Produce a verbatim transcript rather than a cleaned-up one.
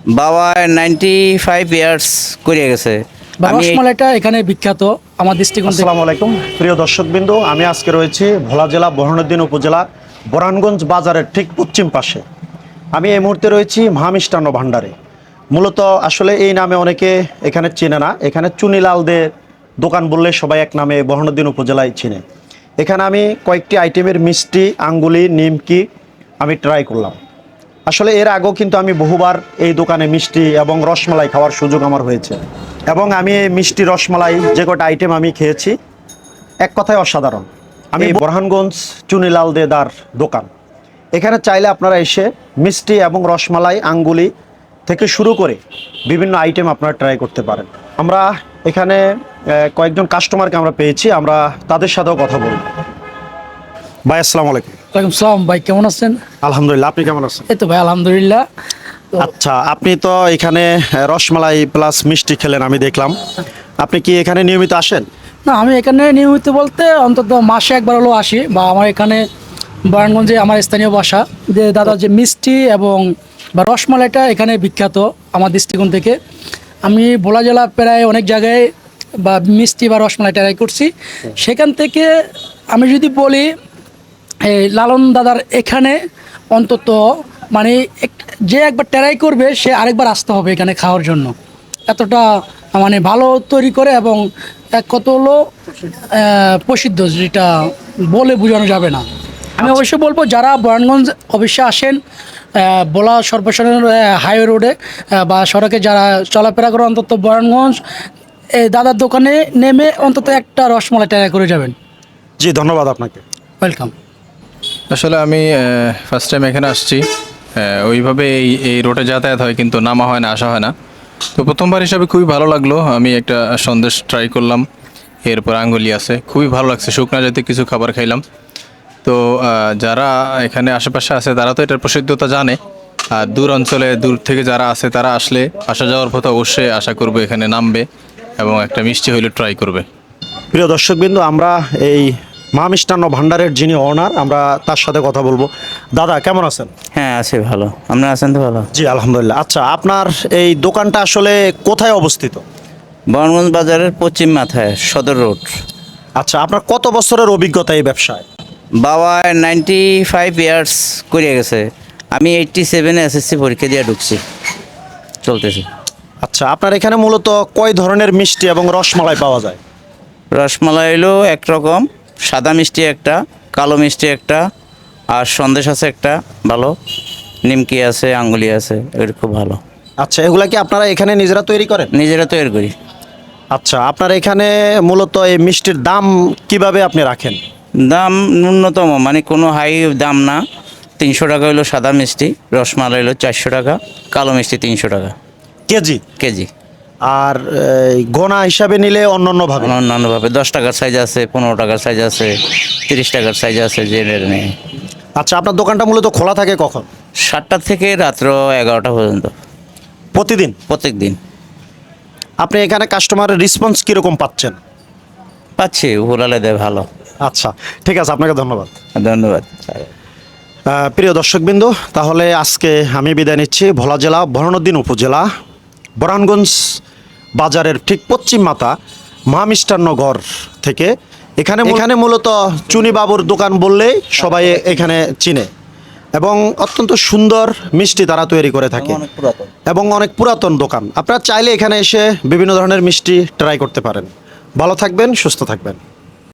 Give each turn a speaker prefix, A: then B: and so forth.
A: বাবা ninety five years করে গেছে।
B: বা
A: আমি এই-
B: রসমালাইটা এখানে বিখ্যাত আমার দৃষ্টিকোণ থেকে।
C: আসসালামু আলাইকুম প্রিয় দর্শকবৃন্দ, আমি আজকে রয়েছি ভোলা জেলা বরহানুদ্দিন উপজেলা বরানগঞ্জ বাজারের ঠিক পশ্চিম পাশে। আমি এই মুহূর্তে রয়েছি মহা মিষ্টান্ন ভাণ্ডারে। মূলত আসলে এই নামে অনেকে এখানে চেনে না, এখানে চুনিলাল দে দোকান বললে সবাই এক নামে বরহানুদ্দিন উপজেলায় চিনে। এখানে আমি কয়েকটি আইটেমের মিষ্টি, আঙ্গুলি, নিমকি আমি ট্রাই করলাম। আসলে এর আগেও কিন্তু আমি বহুবার এই দোকানে মিষ্টি এবং রসমালাই খাওয়ার সুযোগ আমার হয়েছে, এবং আমি এই মিষ্টি রসমালাই যে কটা আইটেম আমি খেয়েছি এক কথায় অসাধারণ। আমি বরহানগঞ্জ চুনিলাল দেদার দোকান, এখানে চাইলে আপনারা এসে মিষ্টি এবং রসমালাই, আঙ্গুলি থেকে শুরু করে বিভিন্ন আইটেম আপনারা ট্রাই করতে পারেন। আমরা এখানে আহ, কয়েকজন কাস্টমারকে আমরা পেয়েছি, আমরা তাদের সাথেও কথা বলব। ভাই আসসালামু আলাইকুম।
B: ওয়ালাইকুম সালাম ভাই, কেমন আছেন?
C: আলহামদুলিল্লাহ, আপনি কেমন আছেন?
B: এই তো ভাই আলহামদুলিল্লাহ। তো
C: আচ্ছা, আপনি তো এখানে রসমালাই প্লাস মিষ্টি খেলেন আমি দেখলাম, আপনি কি এখানে নিয়মিত আসেন?
B: না, আমি এখানে নিয়মিত বলতে অন্তত মাসে একবার হলেও আসি, বা আমার এখানে বরানগঞ্জে আমার স্থানীয় বাসা। যে দাদা যে মিষ্টি এবং বা রসমালাইটা এখানে বিখ্যাত আমার দৃষ্টিকোণ থেকে। আমি ভোলা জেলা প্রায় অনেক জায়গায় বা মিষ্টি বা রসমালাই ট্রাই করছি। সেখান থেকে আমি যদি বলি এই লালন দাদার এখানে অন্তত মানে এক- যে একবার ট্রাই করবে সে আরেকবার আসতে হবে এখানে খাওয়ার জন্য। এতটা মানে ভালো তৈরি করে এবং এক কত হলো আহ, প্রসিদ্ধ, যেটা বলে বোঝানো যাবে না। আমি অবশ্যই বলবো যারা বরানগঞ্জ অবশ্যই আসেন, আহ, ভোলা সর্বসাধারণ হাইওয়ে রোডে আহ, বা সড়কে যারা চলাফেরা করে অন্তত বরানগঞ্জ এই দাদার দোকানে নেমে অন্তত একটা রসমালাই ট্রাই করে যাবেন।
C: জি, ধন্যবাদ আপনাকে।
B: ওয়েলকাম।
D: আসলে আমি ফার্স্ট টাইম এখানে আসছি। আহ, ওইভাবে এই এই রোডে যাতায়াত হয় কিন্তু নামা হয় না, আসা হয় না। তো প্রথমবার হিসাবে খুবই ভালো লাগলো। আমি একটা সন্দেশ ট্রাই করলাম, এরপর আঙ্গুলি আছে, খুবই ভালো লাগছে। শুকনা জাতীয় কিছু খাবার খাইলাম। তো আহ, যারা এখানে আশেপাশে আছে তারা তো এটার প্রসিদ্ধতা জানে, আর দূর অঞ্চলে দূর থেকে যারা আছে তারা আসলে আসা যাওয়ার পথে অবশ্যই আশা করবে এখানে নামবে এবং একটা মিষ্টি হইলে ট্রাই করবে।
C: প্রিয় দর্শকবৃন্দ, আমরা এই মা মিষ্টান্ন ভাণ্ডারের যিনি ওনার, আমরা তার সাথে কথা বলবো। দাদা কেমন আছেন?
A: হ্যাঁ আছি ভালো, আপনারা আছেন তো ভালো?
C: জি আলহামদুলিল্লাহ। আচ্ছা, আপনার এই দোকানটা আসলে কোথায় অবস্থিত?
A: বরানগঞ্জ বাজারের পশ্চিম মাথায় সদর রোড।
C: আচ্ছা, আপনার কত বছরের অভিজ্ঞতা এই ব্যবসায়?
A: বাবা নাইনটি ফাইভ ইয়ার্স করে গেছে। আমি এইটটি সেভেনে এসএসসি পরীক্ষা দিয়ে ঢুকছি, চলতেছে।
C: আচ্ছা, আপনার এখানে মূলত কয় ধরনের মিষ্টি এবং রসমালাই পাওয়া যায়?
A: রসমালাই হলো একরকম, সাদা মিষ্টি একটা, কালো মিষ্টি একটা, আর সন্দেশ আছে একটা ভালো, নিমকি আছে, আঙ্গুলি আছে, এগুলো খুব ভালো।
C: আচ্ছা, এগুলা কি আপনারা এখানে নিজেরা তৈরি করেন?
A: নিজেরা তৈরি করি।
C: আচ্ছা, আপনার এখানে মূলত এই মিষ্টির দাম কিভাবে আপনি রাখেন?
A: দাম ন্যূনতম, মানে কোনো হাই দাম না। তিনশো টাকা হলো সাদা মিষ্টি, রসমালাই হলো চারশো টাকা, কালো মিষ্টি তিনশো টাকা
C: কেজি?
A: কেজি।
C: আর এই গোনা হিসাবে নিলে অন্য অন্য ভাবে?
A: অন্যান্যভাবে দশ টাকার সাইজ আছে, পনেরো টাকার সাইজ আছে, তিরিশ টাকার সাইজ আছে, যে নেই।
C: আচ্ছা, আপনার দোকানটা মূলত খোলা থাকে কখন?
A: সাতটা থেকে রাত্র এগারোটা পর্যন্ত
C: প্রতিদিন?
A: প্রত্যেক দিন।
C: আপনি এখানে কাস্টমারের রেসপন্স কীরকম পাচ্ছেন?
A: পাচ্ছি, উপরালে দেয় ভালো।
C: আচ্ছা, ঠিক আছে, আপনাকে ধন্যবাদ।
A: ধন্যবাদ।
C: আহ, প্রিয় দর্শকবৃন্দ, তাহলে আজকে আমি বিদায় নিচ্ছি ভোলা জেলা বরহানুদ্দিন উপজেলা বরানগঞ্জ বাজারের ঠিক পশ্চিম মাথা মা মিষ্টান্ন ঘর থেকে। এখানে এখানে মূলত চুনি বাবুর দোকান বললেই সবাই এখানে চিনে, এবং অত্যন্ত সুন্দর মিষ্টি তারা তৈরি করে থাকে,
A: অনেক পুরাতন।
C: এবং অনেক পুরাতন দোকান। আপনারা চাইলে এখানে এসে বিভিন্ন ধরনের মিষ্টি ট্রাই করতে পারেন। ভালো থাকবেন, সুস্থ থাকবেন।